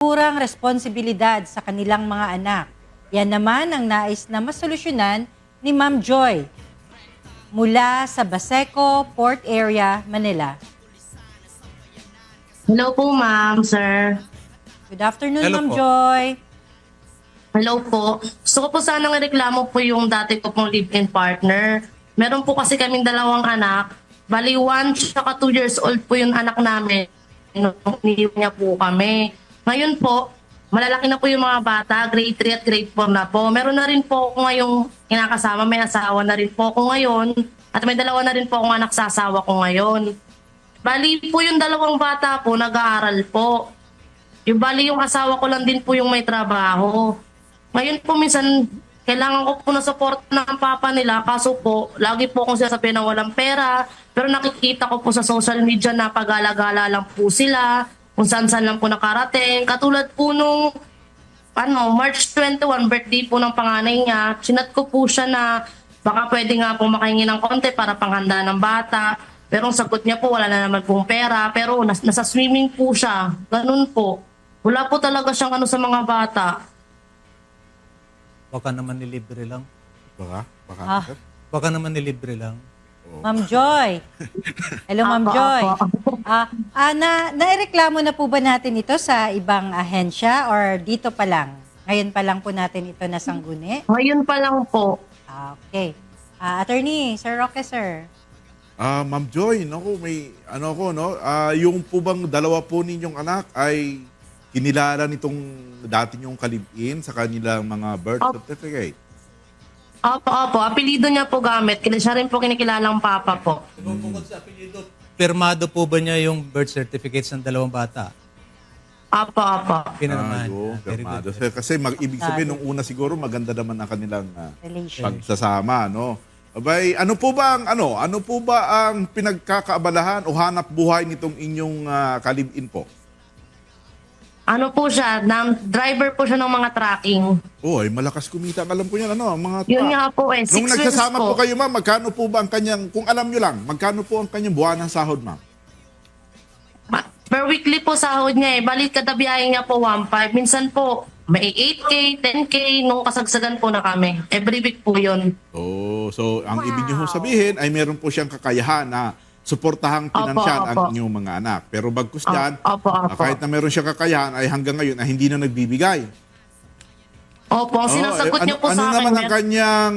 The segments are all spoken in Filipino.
naturang responsibilidad sa kanilang mga anak. Yan naman ang nais na masolusyonan ni Ma'am Joy mula sa Baseco Port Area, Manila. Hello po, ma'am, sir. Good afternoon, Hello Ma'am po. Joy. Hello po. Gusto ko po sanang ireklamo po yung dati ko pong live-in partner. Meron po kasi kaming dalawang anak. Bali, 1 tsaka 2 years old po yung anak namin. Nung iniwan niya po kami. Ngayon po, malalaki na po yung mga bata, grade 3 at grade 4 na po. Meron na rin po ako ngayong kinakasama, may asawa na rin po ako ngayon. At may dalawa na rin po akong anak sa asawa ko ngayon. Bali po yung dalawang bata po, nag-aaral po. Yung bali yung asawa ko lang din po yung may trabaho. Ngayon po minsan, kailangan ko po na support ng papa nila. Kaso po, lagi po akong sinasabi na walang pera. Pero nakikita ko po sa social media na pag-alagala lang po sila. Kung saan-saan lang po nakarating. Katulad po nung March 21, birthday po ng panganay niya. Sinat ko po siya na baka pwede nga po makahingi ng konti para panghanda ng bata. Pero ang sagot niya po, wala na naman pong pera. Pero nasa swimming po siya. Ganun po. Wala po talaga siyang sa mga bata. Baka naman nilibre lang. Baka? Ah. Sir? Baka naman nilibre lang. Ma'am Joy. Hello, Ma'am Apo, Joy. apo. Naireklamo na po ba natin ito sa ibang ahensya or dito pa lang? Ngayon pa lang po natin ito nasangguni? Ngayon pa lang po. Okay. Attorney, Sir Roque, sir. Ma'am Joy, naku, may ano ko, no? Yung po bang dalawa po ninyong anak ay kinilala nitong dati niyong kalibin sa kanilang mga birth certificate? Opo. Apelido niya po gamit. Siya rin po kinikilalang papa po. Bukod sa apelyido, pirmado po ba niya yung birth certificates ng dalawang bata? Opo. Pinanaman. Very Pirmado. good. Kasi ibig sabihin, nung una siguro maganda naman ang kanilang Relation. pagsasama, no? Abay, ano po ba ang pinagkakaabalahan o hanap buhay nitong inyong kalibin po? Ano po siya? Driver po siya ng mga tracking. Oh, ay malakas kumita. Alam ko yan, ang mga Yun truck. nga po 6 Nung wheels nagsasama po. po kayo, ma'am, magkano po ba ang kanyang, kung alam nyo lang, magkano po ang kanyang buwan ng sahod, ma'am? Per weekly po sahod niya Balik kada biyahe niya po 1.5. Minsan po may 8K, 10K nung kasagsagan po na kami. Every week po yun. Oh, so ang ibig niyo sabihin ay meron po siyang kakayahan na suportahang pinansyal ang Opo. inyong mga anak. Pero bagkus dyan, Opo. kahit na meron siyang kakayahan ay hanggang ngayon ay hindi na nagbibigay. Opo, ang sinasagot niya po ano sa akin. naman ang kanyang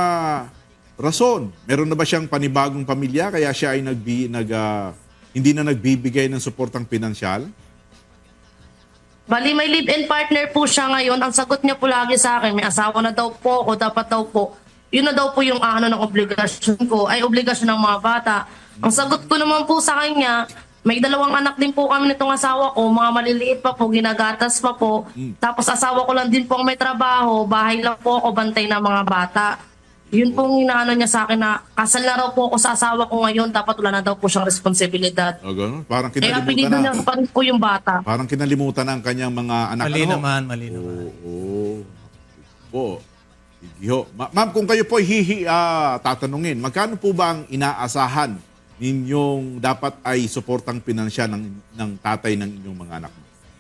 rason? Meron na ba siyang panibagong pamilya kaya siya ay hindi na nagbibigay ng suportang pinansyal? Bali, may live-in partner po siya ngayon. Ang sagot niya po lagi sa akin, may asawa na daw po o dapat daw po. Yun na daw po yung ng obligasyon ko, ay obligasyon ng mga bata. Ang sagot ko naman po sa kanya, may dalawang anak din po kami nitong asawa ko, mga maliliit pa po, ginagatas pa po. Tapos asawa ko lang din po ang may trabaho, bahay lang po ako, bantay ng mga bata. Yun pong inaano niya sa akin na kasal na raw po ako sa asawa ko ngayon, dapat wala na daw po siyang responsibilidad. O gano'n? Parang Kaya apelido kinalimutan niya na. pa rin po yung bata. Parang kinalimutan na ang kanyang mga anak. Mali Ano ho? naman. Oo. Po. Sige ho. Ma'am, kung kayo po tatanungin, magkano po ba ang inaasahan ninyong dapat ay suportang pinansyal ng tatay ng inyong mga anak?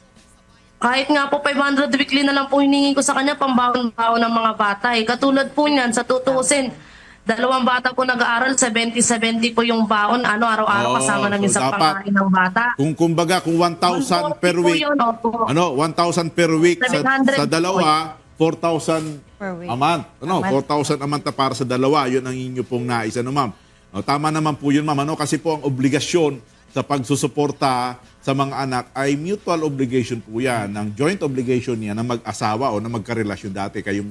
Kahit nga po 500 weekly na lang po hiningi ko sa kanya, pambaon-baon ng mga bata. Katulad po niyan, sa tutusin, dalawang bata po nag-aaral, 70-70 po yung baon, araw-araw kasama namin so sa dapat, pangkain ng bata. Kung 1,000 per 140 po week, yun, opo. 1,000 per week sa 700 dalawa, 4,000 Per week. a month. A month. 4,000 a month na para sa dalawa. Yun ang inyo pong nais. Ma'am? Tama naman po yun, ma'am. Kasi po ang obligasyon sa pagsusuporta sa mga anak ay mutual obligation po yan. Ang joint obligation niya na mag-asawa o na magkarelasyon dati kayong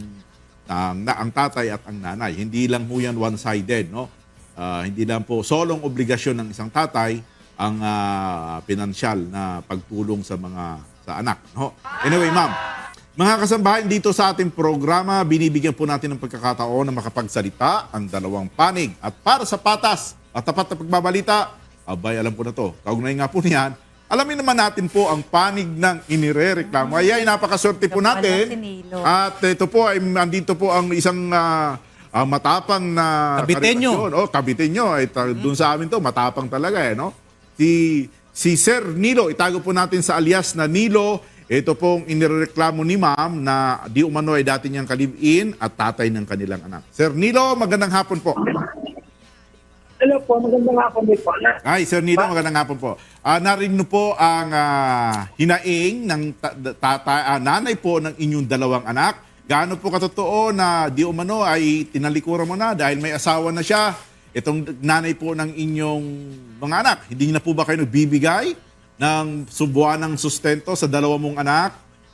ang tatay at ang nanay. Hindi lang po yan one-sided. No? Hindi lang po solong obligasyon ng isang tatay ang pinansyal na pagtulong sa anak. No? Anyway, ma'am, mga kasambahay, dito sa ating programa, binibigyan po natin ng pagkakataon na makapagsalita ang dalawang panig. At para sa patas at tapat na pagbabalita, abay, alam ko na to. Kaugnay nga po niyan, alamin naman natin po ang panig ng inirereklamo. Ay, napakaswerte po natin. Si Nilo. At ito po, andito po ang isang matapang na Kabitenyo. karelasyon. Kabitenyo. Doon sa amin to, matapang talaga no? Si Sir Nilo, itago po natin sa alias na Nilo Ito pong inireklamo ni ma'am na di umano ay dati niyang kalibin at tatay ng kanilang anak. Sir Nilo, magandang hapon po. Hello po, magandang hapon din po. Ay, Sir Nilo, magandang hapon po. Narinig po ang hinaing ng nanay po ng inyong dalawang anak. Gaano po katotoo na di umano ay tinalikuran mo na dahil may asawa na siya? Itong nanay po ng inyong mga anak, hindi na po ba kayo nagbibigay ng subuanang sustento sa dalawa mong anak?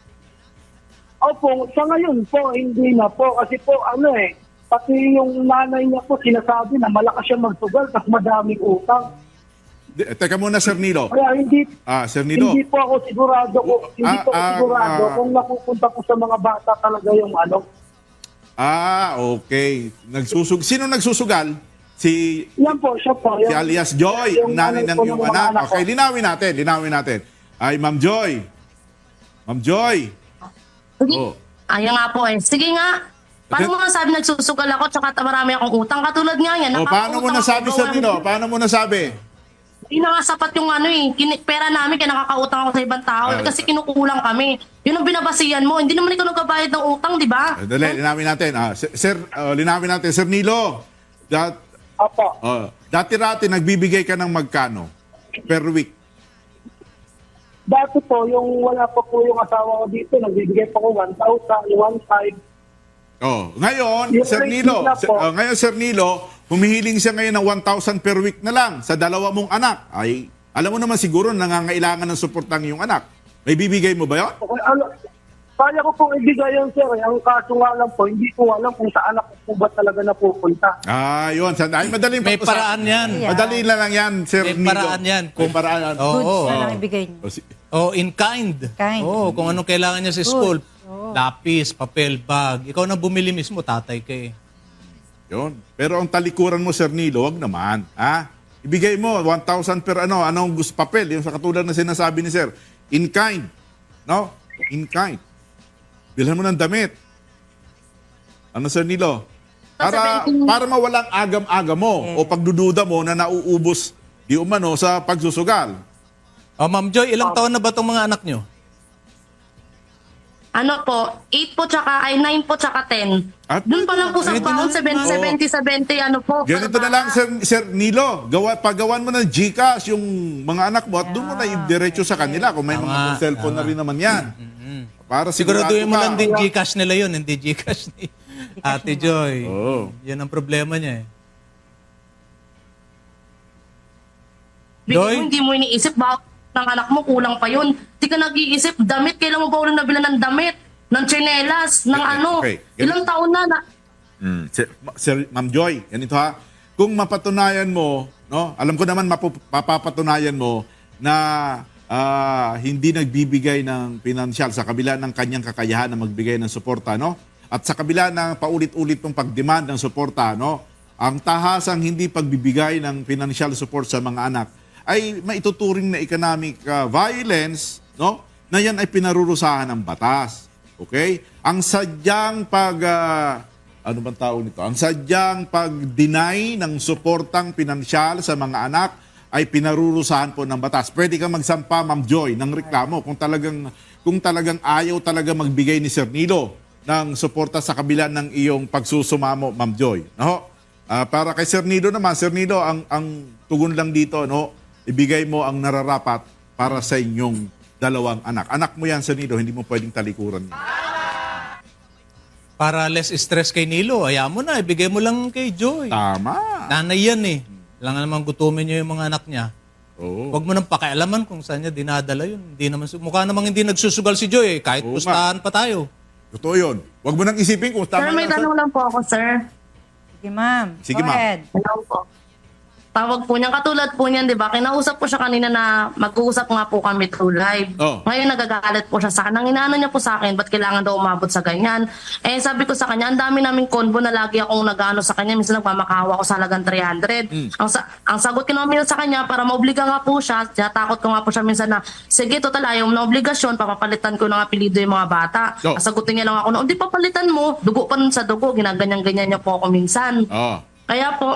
Opo, sa ngayon po, hindi na po. Kasi po, pati yung nanay niya po sinasabi na malakas siya magsugal kasi madaming utang. Teka muna, Sir Nilo. Kaya Sir Nilo. hindi po ako sigurado kung napupunta po sa mga bata talaga yung Okay. Sino nagsusugal? Yan po, siya po. Si alias Joy, yung nanay ng po iyong mga anak. ko. Okay, linawin natin. Ay, Ma'am Joy. Ma'am Joy. Sige. Oh. Ayan nga po eh. Sige nga. Paano mo nasabi nagsusugal ako tsaka marami akong utang? Katulad nga yan. Paano mo nasabi, Sir Nilo? Paano mo nasabi? Hindi na nga sapat yung pera namin kaya nakakautang ako sa ibang tao kasi kinukulang kami. Yun ang binabasihan mo. Hindi naman ikaw nagbabayad ng utang, di ba? Dali, linawin natin. Linawin natin. Sir Nilo, Opo. dati-rati nagbibigay ka ng magkano per week? Dati po, yung wala pa po yung asawa ko dito, nagbibigay pa ko 1,000, 1,500. Ngayon, Yung Sir rate Nilo, nila po. Sir Nilo, humihiling siya ngayon ng 1,000 per week na lang sa dalawa mong anak. Ay, alam mo naman siguro nangangailangan ng suportang iyong anak. May bibigay mo ba 'yon? Okay, kaya ko pong ibigay yun, sir. Ang kaso nga lang po, hindi ko alam kung saan ako po ba talaga napupunta. Yun. Ay, madaling May pag-usapan. paraan yan. Madali lang yan, Sir May Nilo. paraan yan. May paraan. Oo. Goods na lang ibigay niyo. In kind. Kind. Kung anong kailangan niya sa school. Lapis, papel, bag. Ikaw na bumili mismo, tatay ka eh. Yun. Pero ang talikuran mo, Sir Nilo, wag naman. Ibigay mo 1,000 per anong gusto papel. Yung sa katulad na sinasabi ni Sir. In kind. No? In kind. Bilhan mo ng damit. Ano, Sir Nilo? Para mawalang agam-agam mo o pagdududa mo na nauubos di umano sa pagsusugal. Ma'am Joy, ilang taon na ba itong mga anak nyo? Ano po, 8 po tsaka, 9 po tsaka 10. At Doon pa lang po sa pwede taon, na. 70, ano po. ganito na lang, Sir Nilo. Pagawan mo ng GCash yung mga anak mo at doon mo na i-diretso sa kanila kung may mga cellphone na rin naman yan. Para Siguraduhin mo ka. lang din Gcash nila yun, hindi Gcash ni Ate Joy. Oo. Yan ang problema niya eh. Bigyan Joy? mo, hindi mo iniisip, bakit ng anak mo, kulang pa yun. Di ka nag-iisip, damit, kailan mo ba ulang nabila ng damit? Ng tsinelas, ng Okay. Ilang taon na. Sir Ma'am Joy, ganito ha. Kung mapatunayan mo, no? Alam ko naman mapapatunayan mo na hindi nagbibigay ng pinansyal sa kabila ng kanyang kakayahan na magbigay ng suporta, no? At sa kabila ng paulit-ulit ng pagdemand ng suporta, no? Ang tahasang hindi pagbibigay ng financial support sa mga anak ay maituturing na economic violence, no? Na yan ay pinarurusahan ng batas. Okay? Ang sadyang ano bang tawag nito? Ang sadyang pag-deny ng suportang pinansyal sa mga anak ay pinarurusahan po ng batas. Pwede kang magsampa, Ma'am Joy, ng reklamo kung talagang ayaw talaga magbigay ni Sir Nilo ng suporta sa kabila ng iyong pagsusumamo, Ma'am Joy. No? Para kay Sir Nilo naman, Sir Nilo, ang tugon lang dito, no? Ibigay mo ang nararapat para sa inyong dalawang anak. Anak mo yan, Sir Nilo, hindi mo pwedeng talikuran yan. Para less stress kay Nilo, ayaw mo na, ibigay mo lang kay Joy. Tama. Nanay yan eh. Kailangan naman gutumin niyo yung mga anak niya. Oo. Huwag mo nang pakialaman kung saan niya dinadala yun. Hindi naman, mukha namang hindi nagsusugal si Joy eh. Kahit Oo pustahan pa tayo. Totoo yun. Huwag mo nang isipin kung Sir, tama may lang. tanong lang po ako, sir. Sige, ma'am. Sige, Go ma'am. ahead. Hello po. Tawag po niya, katulad po niyan, di ba? Kinausap po siya kanina na mag-uusap nga po kami through live. Oh. Ngayon nagagalit po siya sa akin. Ang inaano niya po sa akin, ba't kailangan daw umabot sa ganyan? Sabi ko sa kanya, ang dami naming convo na lagi akong nag-ano sa kanya. Minsan nagmamakawa ako sa halagang 300. Ang sagot ko naman sa kanya, para maobliga nga po siya, takot ko nga po siya minsan na, sige, total, ayaw mo na obligasyon, papapalitan ko ng apelido yung mga bata. Oh. Sagutin niya lang ako na, di papalitan mo, dugo pa nun sa dugo, ginaganyan-ganyan niya po ako minsan. Oh. Kaya po,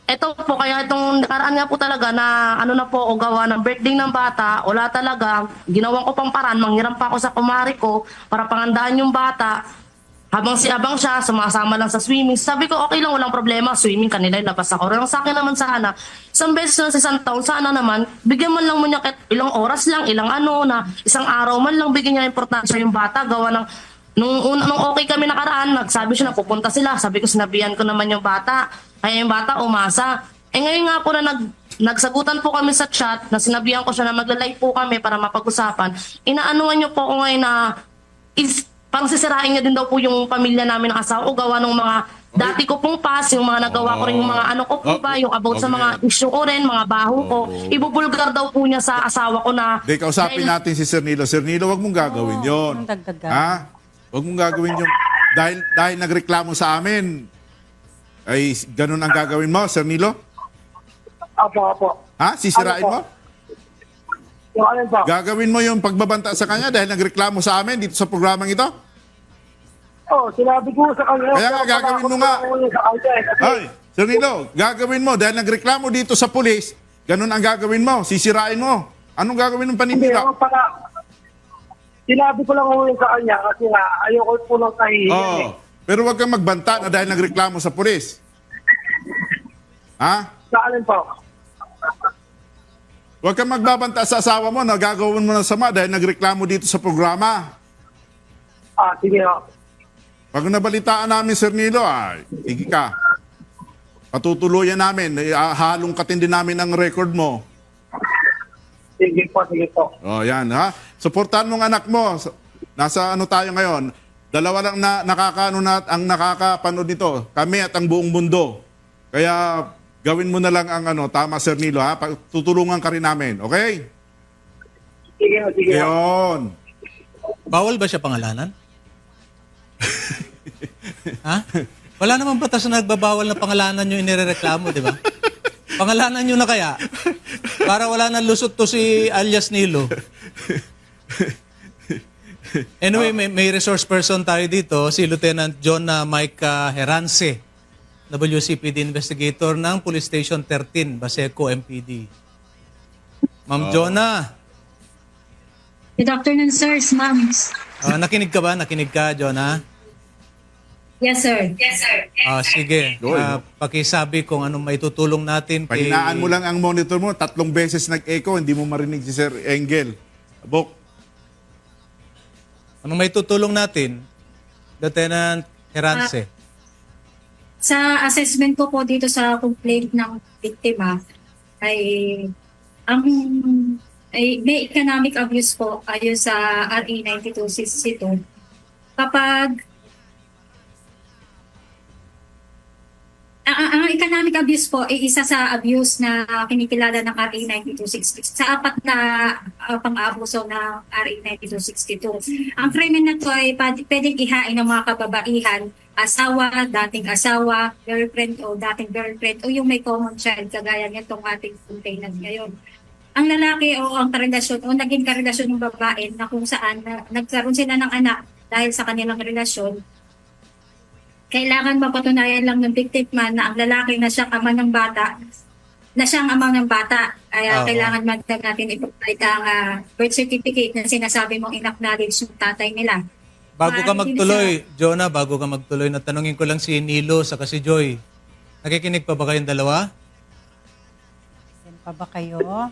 Ito po, kaya itong nakaraan nga po talaga na ano na po, o gawa ng birthday ng bata, wala talaga, ginawan ko pang paraan, manghiram pa ako sa kumari ko para pangandaan yung bata. Habang siya, sumasama lang sa swimming. Sabi ko, okay lang, walang problema, swimming kanila, labas ako. Pero sa akin naman sana, isang beses na sa isang taon, sana naman, bigyan man lang mo niya kahit ilang oras lang, ilang ano, na isang araw man lang, bigyan niya importansya yung bata, gawa ng nung okay kami nakaraan, nagsabi siya na pupunta sila. Sabi ko, sinabihan ko naman yung bata. Kaya yung bata umasa. Ngayon nga po na nagsagutan po kami sa chat, na sinabihan ko siya na magla-live po kami para mapag-usapan. Inaanuhan niyo po ako ngayon na parang sisirain niya din daw po yung pamilya namin ng asawa ko, gawa ng mga dati ko pong past, yung mga nagawa ko rin yung mga ano ko po ba, yung about sa mga issue ko rin, mga baho ko. Ibubulgar daw po niya sa asawa ko na... Di, kausapin natin si Sir Nilo. Sir Nilo, wag mong gagawin yon. Anong dagdagan? Ha? Wag mong gagawin yung... Dahil nagreklamo sa amin, ay ganun ang gagawin mo, Sir Nilo? Apo. Ha? Sisirain Ano po? mo? Yung ano po? Gagawin mo yung pagbabanta sa kanya dahil nagreklamo sa amin dito sa programang ito? Sinabi ko sa kanya. Kaya nga, gagawin mo nga. Sa kanya, kasi, Ay, Sir Nilo, gagawin mo dahil nagreklamo dito sa pulis, ganun ang gagawin mo, sisirain mo. Anong gagawin ng hindi, paninira? sinabi ko lang yun sa kanya kasi nga, ayoko po lang kahihiyan Oo. Pero wag kang magbanta na dahil nagreklamo sa pulis. Ha? Sa alin po? Huwag kang magbabanta sa asawa mo na gagawin mo ng sama dahil nagreklamo dito sa programa. Sige ho. Pag nabalitaan namin, Sir Nilo, sige ka. Patutuluyan namin. Halong katindi namin ang record mo. Sige po. O, yan, ha? Suportahan mong anak mo. Nasa ano tayo ngayon? Dalawa lang na ang nakakapanood nito. Kami at ang buong mundo. Kaya gawin mo na lang ang tama, Sir Nilo, ha? Tutulungan ka rin namin, okay? Sige ho. Yun. Bawal ba siya pangalanan? Ha? Wala namang batas na nagbabawal na pangalanan yung inirereklamo, di ba? Pangalanan nyo na kaya? Para wala nang lusot to si alias Nilo. Anyway, may resource person tayo dito, si Lieutenant John Mike Herance, WCPD investigator ng Police Station 13, Baseco MPD. Ma'am Jonah. Good afternoon, sirs, ma'ams. Nakinig ka ba? Nakinig ka, Jonah? Yes, sir. Sige. Go, Pakisabi kung anong maitutulong natin. Pahinaan mo lang ang monitor mo. 3 beses nag-echo, hindi mo marinig si Sir Engel. Bok. Anong maitutulong natin, Lieutenant Herance? Sa assessment ko po dito sa complaint ng biktima ay may economic abuse po ayon sa RA 9262. Kapag ang economic abuse po ay isa sa abuse na kinikilala ng RA 9266 sa apat na pang-aabuso ng RA 9262. Ang krimen na to ay pwedeng ihain ng mga kababaihan, asawa, dating asawa, girlfriend o dating girlfriend o yung may common child kagaya nitong ating complainant ngayon. Ang lalaki o ang karelasyon o naging karelasyon ng babae na kung saan nagkaroon sila ng anak dahil sa kanilang relasyon, kailangan mapatunayan lang ng biktima na ang lalaki na siyang ama ng bata, na siyang ama ng bata. Kaya kailangan natin ipagpalit ang birth certificate na sinasabi mong in-acknowledge ng tatay nila. Bago ka magtuloy, Jonah, bago ka magtuloy, natanungin ko lang si Nilo sa si Joy. Nakikinig pa ba kayong dalawa? Yan pa ba kayo?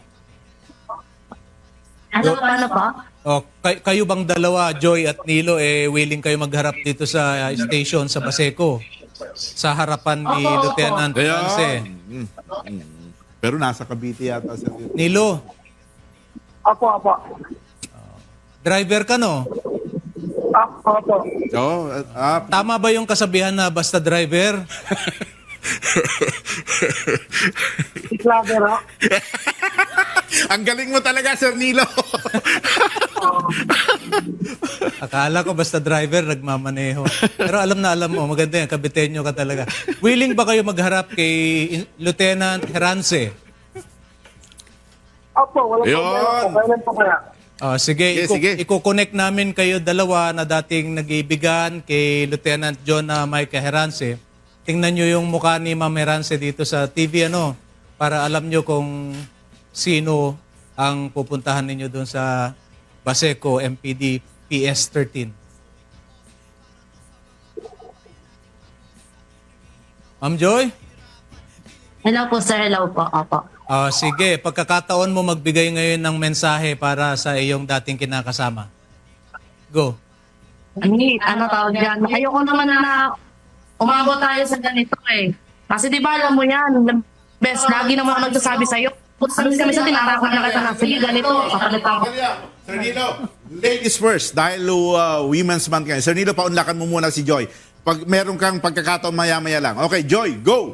Paano pa? Kayo bang dalawa, Joy at Nilo, willing kayo magharap dito sa station sa Baseco? Sa harapan ni Lieutenant Herance? Pero nasa Cavite yata, Sir Nilo. Nilo, Apo. driver ka, no? Apo. Oo, Tama ba yung kasabihan na basta driver? Islaver ho. ang galing mo talaga, Sir Nilo. Akala ko basta driver, nagmamaneho. Pero alam mo, maganda yan, kabitenyo ka talaga. Willing ba kayo magharap kay Lieutenant Herance? Apo, walang Yun. problema po. Kailan po kaya? Sige, Sige. i-connect namin kayo dalawa na dating nag-iibigan kay Lieutenant John Mike Herance tingnan nyo yung mukha ni Ma'am Herance dito sa TV, para alam nyo kung sino ang pupuntahan ninyo doon sa Baseco MPD PS13. Ma'am Joy? Hello po, sir. Hello po. Opo. Sige, pagkakataon mo magbigay ngayon ng mensahe para sa iyong dating kinakasama. Go. Ano tawag yan? Ayoko naman na umabot tayo sa ganito eh. Kasi di ba alam mo yan, best, lagi naman ako nagsasabi sa'yo. Sabi kami sa tinatakot na kita na, sige ganito, kapalitan ko. Sir Nilo, ladies first, dahil Women's Month ngayon. Sir Nilo, paunlakan mo muna si Joy. Pag meron kang pagkakataon, maya-maya lang. Okay, Joy, go!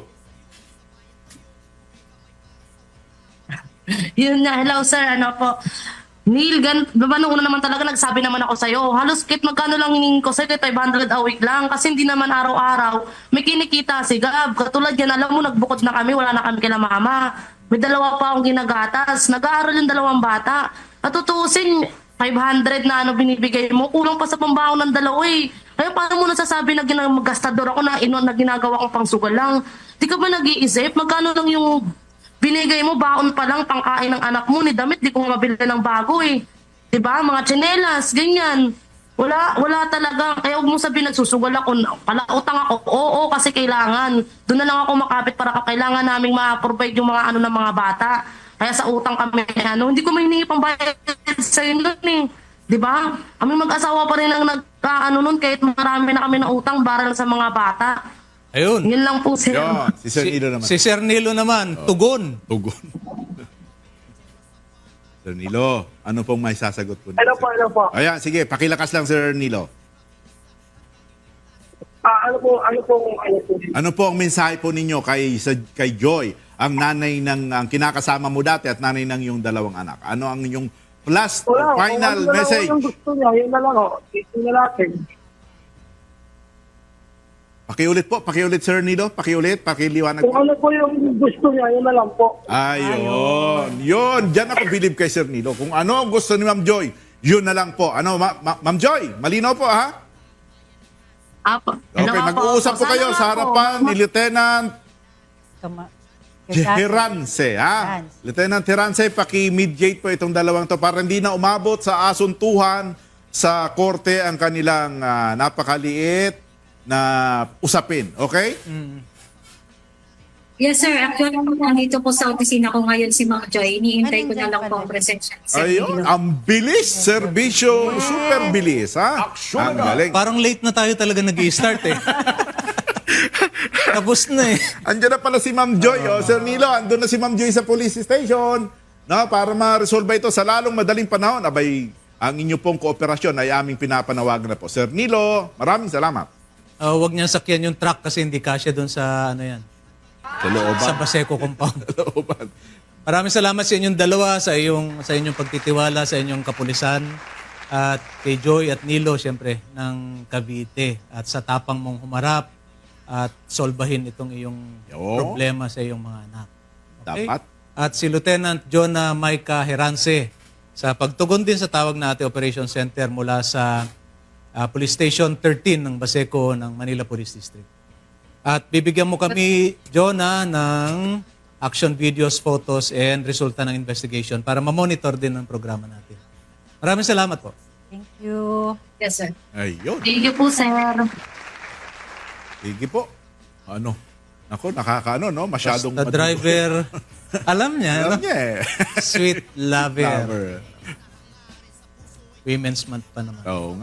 Yun nga, hello sir, ano po. Neil, nung una naman talaga nagsabi naman ako sa'yo, halos kit magkano lang hingin ko sa'yo, 500 a week lang. Kasi hindi naman araw-araw may kinikita si Gab. Katulad yan, alam mo, nagbukod na kami, wala na kami kila mama. May 2 pa akong ginagatas. Nag-aaral yung 2 bata. At tutusin, 500 na binibigay mo, kulang pa sa pambaon ng 2 eh. Kaya paano mo nasasabi na gastador ako na ginagawa kong pangsugal lang? Di ka ba nag-iisip? Magkano lang yung binigay mo, baon pa lang, pangkain ng anak mo, ni damit, di ko mabili ng bago eh. Diba? Mga tsinelas, ganyan. Wala talaga. Kaya huwag mo sabihin, nagsusugal ako, palautang ako. Oo, kasi kailangan. Doon na lang ako makapit para kailangan naming ma-provide yung mga ng mga bata. Kaya sa utang kami, hindi ko mahiningi pang bayad sa inyo eh. Diba? Kami mag-asawa pa rin ang nun, kahit marami na kami na utang para lang sa mga bata. Ayun. Yun lang po sir. Yun, si Sir Nilo naman. Si Sir Nilo naman, tugon. Tugon. Sir Nilo, ano pong may sasagot po? Hello po, hello po. Ayan, sige, pakilakas lang, Sir Nilo. Ano po ang mensahe po ninyo kay Joy, ang nanay ang kinakasama mo dati at nanay ng iyong 2 anak? Ano ang inyong last final message? Yung gusto niya, yun na lang o. Ito na natin. Pakiulit Sir Nilo, pakiliwanag Kung po. ano po yung gusto niya, yun na lang po. Ayun. Yun, diyan ako believe kay Sir Nilo. Kung ano ang gusto ni Ma'am Joy, yun na lang po. Ano, Ma'am Joy, malinaw po ha? Apo. Hello, Okay, apo. mag-uusap po Sana kayo nga sa po. harapan ni Lieutenant Herance. Herance, ha? Herance. Lieutenant Herance, paki-mediate po itong 2 to para hindi na umabot sa asuntuhan sa korte ang kanilang napakaliit na usapin. Okay? Yes, sir. Actually, nandito po sa opisina ko ngayon si Ma'am Joy. Iniintay ko na lang po ang presensya. Ayun, ang bilis. Serbisyo, super bilis, ha? Ang galing. Parang late na tayo talaga nag-i-start eh. Tapos na eh. Andiyan na pala si Ma'am Joy. Sir Nilo, andun na si Ma'am Joy sa police station. No, para ma-resolve ito sa lalong madaling panahon. Abay, ang inyo pong kooperasyon ay aming pinapanawagan na po. Sir Nilo, maraming salamat. Huwag niyang sakyan yung truck kasi hindi kasya doon sa Sa looban. sa Baseco compound. Sa looban. Maraming salamat sa inyong dalawa, sa inyong pagtitiwala, sa inyong kapulisan, at kay Joy at Nilo, siyempre, ng Cavite. At sa tapang mong humarap at solbahin itong iyong problema sa iyong mga anak. Dapat. At si Lieutenant Jonah Micah Herance, sa pagtugon din sa tawag na ating Operation Center mula sa Police Station 13 ng Baseco ng Manila Police District. At bibigyan mo kami, Jonah, ng action videos, photos, and resulta ng investigation para ma-monitor din ang programa natin. Maraming salamat po. Thank you. Yes, sir. Ayun. Thank you po, sir. Sige po. Ano? Ako, nakakaano, no? Masyadong Basta driver, alam niya, Alam no? niya eh. Sweet lover. Lover. Women's Month pa naman. Oo nga.